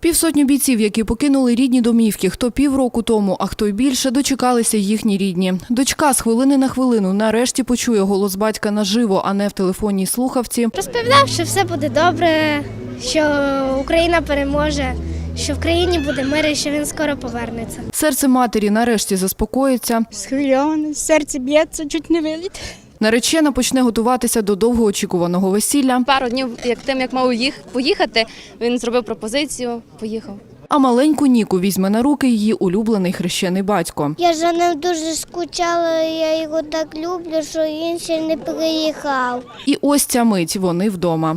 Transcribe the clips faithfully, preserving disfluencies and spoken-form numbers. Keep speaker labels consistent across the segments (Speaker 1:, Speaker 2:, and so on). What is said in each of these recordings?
Speaker 1: Півсотні бійців, які покинули рідні домівки, хто півроку тому, а хто й більше, дочекалися їхні рідні. Дочка з хвилини на хвилину нарешті почує голос батька наживо, а не в телефонній слухавці.
Speaker 2: Розповідав, що все буде добре, що Україна переможе, що в країні буде мир і що він скоро повернеться.
Speaker 1: Серце матері нарешті заспокоїться.
Speaker 3: Схвильоване, серце б'ється, чуть не виліт.
Speaker 1: Наречена почне готуватися до довгоочікуваного весілля.
Speaker 4: Пару днів, як тим, як мав їх поїхати, він зробив пропозицію, поїхав.
Speaker 1: А маленьку Ніку візьме на руки її улюблений хрещений батько.
Speaker 2: Я за ним дуже скучала, я його так люблю, що він ще не приїхав.
Speaker 1: І ось ця мить, вони вдома.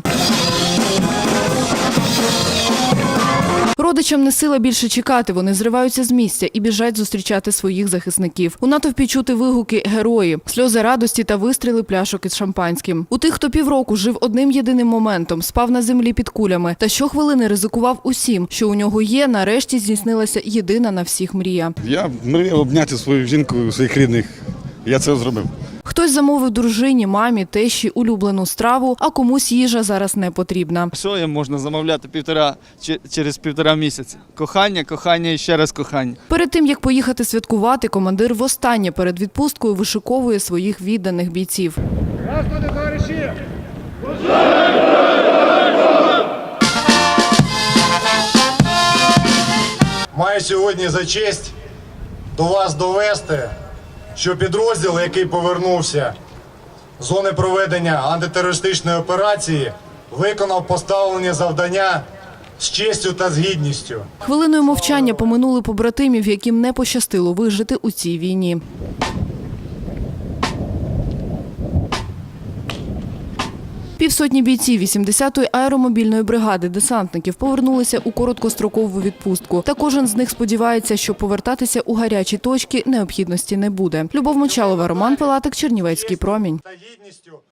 Speaker 1: Родичам не сила більше чекати, вони зриваються з місця і біжать зустрічати своїх захисників. У натовпі чути вигуки «Герої», сльози радості та вистріли пляшок із шампанським. У тих, хто півроку жив одним єдиним моментом, спав на землі під кулями та щохвилини ризикував усім, що у нього є, нарешті здійснилася єдина на всіх мрія.
Speaker 5: Я мріяв обняти свою жінку, своїх рідних. Я це зробив.
Speaker 1: Хтось замовив дружині, мамі, тещі улюблену страву, а комусь їжа зараз не потрібна.
Speaker 6: Що їм можна замовляти півтора, через півтора місяця? Кохання, кохання і ще раз кохання.
Speaker 1: Перед тим, як поїхати святкувати, командир востаннє перед відпусткою вишиковує своїх відданих бійців.
Speaker 7: Здравствуйте, товариші!
Speaker 8: Маю сьогодні за честь до вас довести, що підрозділ, який повернувся з зони проведення антитерористичної операції, виконав поставлені завдання з честю та з гідністю.
Speaker 1: Хвилиною мовчання поминули побратимів, яким не пощастило вижити у цій війні. Півсотні бійців вісімдесятої аеромобільної бригади десантників повернулися у короткострокову відпустку. Та кожен з них сподівається, що повертатися у гарячі точки необхідності не буде. Любов Мочалова, Роман Пилатик, Чернівецький промінь.